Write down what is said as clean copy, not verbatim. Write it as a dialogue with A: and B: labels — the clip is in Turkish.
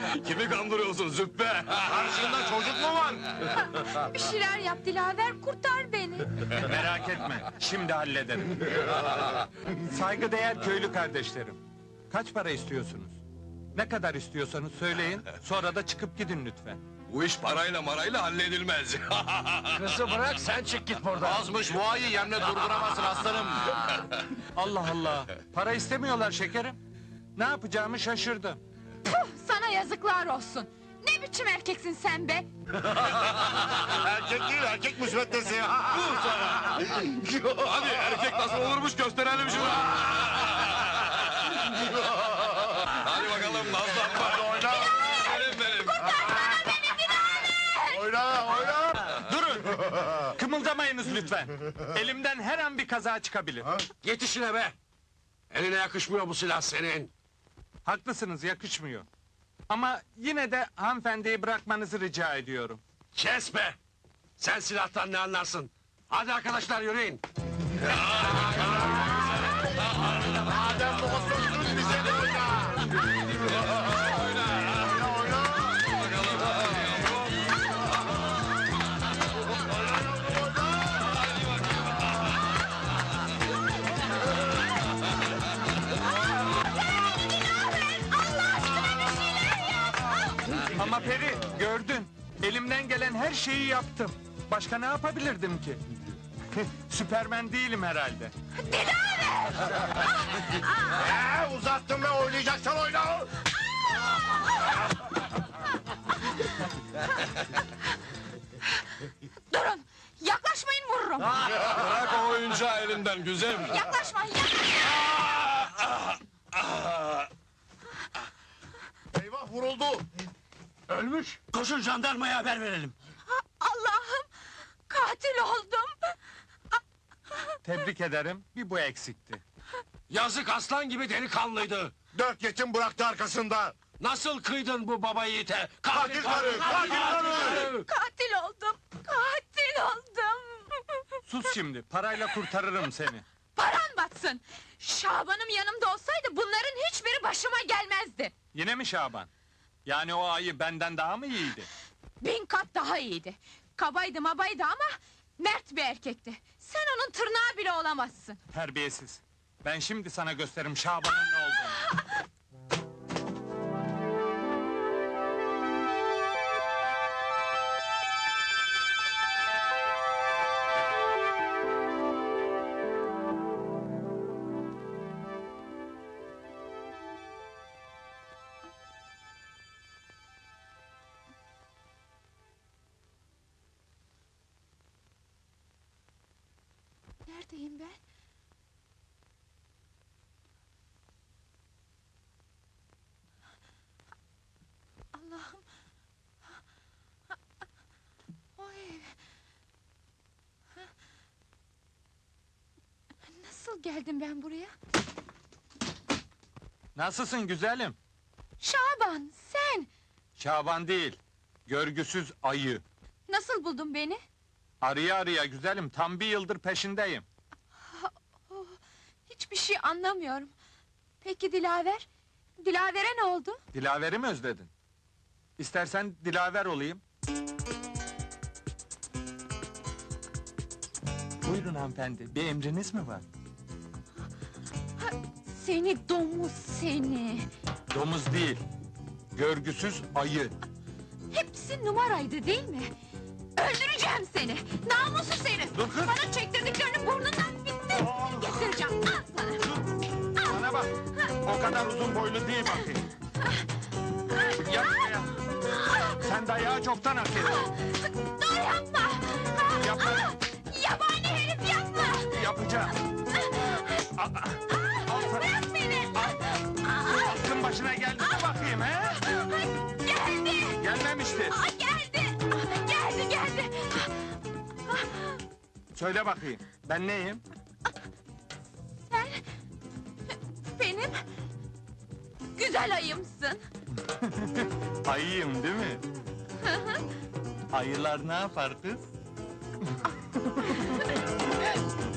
A: Kimi kandırıyorsun Züppe?
B: Karşında çocuk mu var?
C: Bir şeyler yap Dilaver, kurtar beni.
D: Merak etme, şimdi hallederim. Saygıdeğer köylü kardeşlerim. Kaç para istiyorsunuz? Ne kadar istiyorsanız söyleyin, sonra da çıkıp gidin lütfen.
A: Bu iş parayla marayla halledilmez.
B: Kızı bırak sen çık git buradan. Azmış bu ayı yerine durduramazsın aslanım.
D: Allah Allah, para istemiyorlar şekerim. Ne yapacağımı şaşırdım.
C: Puh, sana yazıklar olsun. Ne biçim erkeksin sen be?
B: Erkek değil erkek müsveddesi.
A: Hadi erkek nasıl olurmuş gösterelim şunu. Hadi bakalım nazlanma.
B: Oyna.
A: Benim.
B: Oyna oyna.
D: Durun! Kımıldamayınız lütfen. Elimden her an bir kaza çıkabilir.
B: Yetişine be. Eline yakışmıyor bu silah senin.
D: Haklısınız, yakışmıyor. Ama yine de hanımefendiyi bırakmanızı rica ediyorum.
B: Kes be. Sen silahtan ne anlarsın? Hadi arkadaşlar yürüyün. Madem bu sözünüz bize de oyna.
D: Ama Peri, gördün. Elimden gelen her şeyi yaptım. Başka ne yapabilirdim ki? Süpermen değilim herhalde.
B: Uzattım ve oynayacaksan oyna.
C: Durun, yaklaşmayın vururum.
A: Bırak o oyuncağı elinden güzelim.
C: Yaklaşma,
B: Eyvah vuruldu. Ölmüş. Koşun jandarmaya haber verelim.
C: Allah'ım, katil oldum.
D: Tebrik ederim, bir bu eksikti.
B: Yazık aslan gibi delikanlıydı. 4 yetim bıraktı arkasında. Nasıl kıydın bu baba yiğite? Katil karı! Katil karı!
C: Katil oldum, katil oldum.
D: Sus şimdi, parayla kurtarırım seni.
C: Paran batsın. Şaban'ım yanımda olsaydı bunların hiçbiri başıma gelmezdi.
D: Yine mi Şaban? Yani o ayı benden daha mı iyiydi?
C: 1000 kat daha iyiydi. Kabaydı mabaydı ama mert bir erkekti. Sen onun tırnağı bile olamazsın.
D: Terbiyesiz. Ben şimdi sana gösteririm Şaban'ın ne olduğunu.
C: Neredeyim ben? Allah'ım! O ev! Nasıl geldim ben buraya?
D: Nasılsın güzelim?
C: Şaban, sen!
D: Şaban değil, görgüsüz ayı.
C: Nasıl buldun beni?
D: Arıya arıya güzelim, tam bir yıldır peşindeyim.
C: Oh, hiçbir şey anlamıyorum. Peki Dilaver? Dilaver'e ne oldu?
D: Dilaver'i mi özledin? İstersen Dilaver olayım. Buyurun hanımefendi, bir emriniz mi var?
C: Seni domuz seni!
D: Domuz değil, görgüsüz ayı.
C: Hepsi numaraydı değil mi? Öldüreceğim seni! Namussuz herif!
D: Dur kız!
C: Bana çektirdiklerini burnundan bitti! Getireceğim, al sana!
D: Bana bak, o kadar uzun boylu değil bakayım. Yap ya. Sen dayağı çoktan hak ettin.
C: Dur yapma!
D: Yapma.
C: Yabani herif yapma!
D: Yapacağım. Al sana.
C: Bırak beni!
D: Aklın başına geldi mi bakayım he?
C: Geldi!
D: Gelmemişti.
C: Geldi! Geldi!
D: Söyle bakayım, ben neyim?
C: Sen... benim... güzel ayımsın!
D: Ayıyım değil mi? Ayılar ne yapar kız?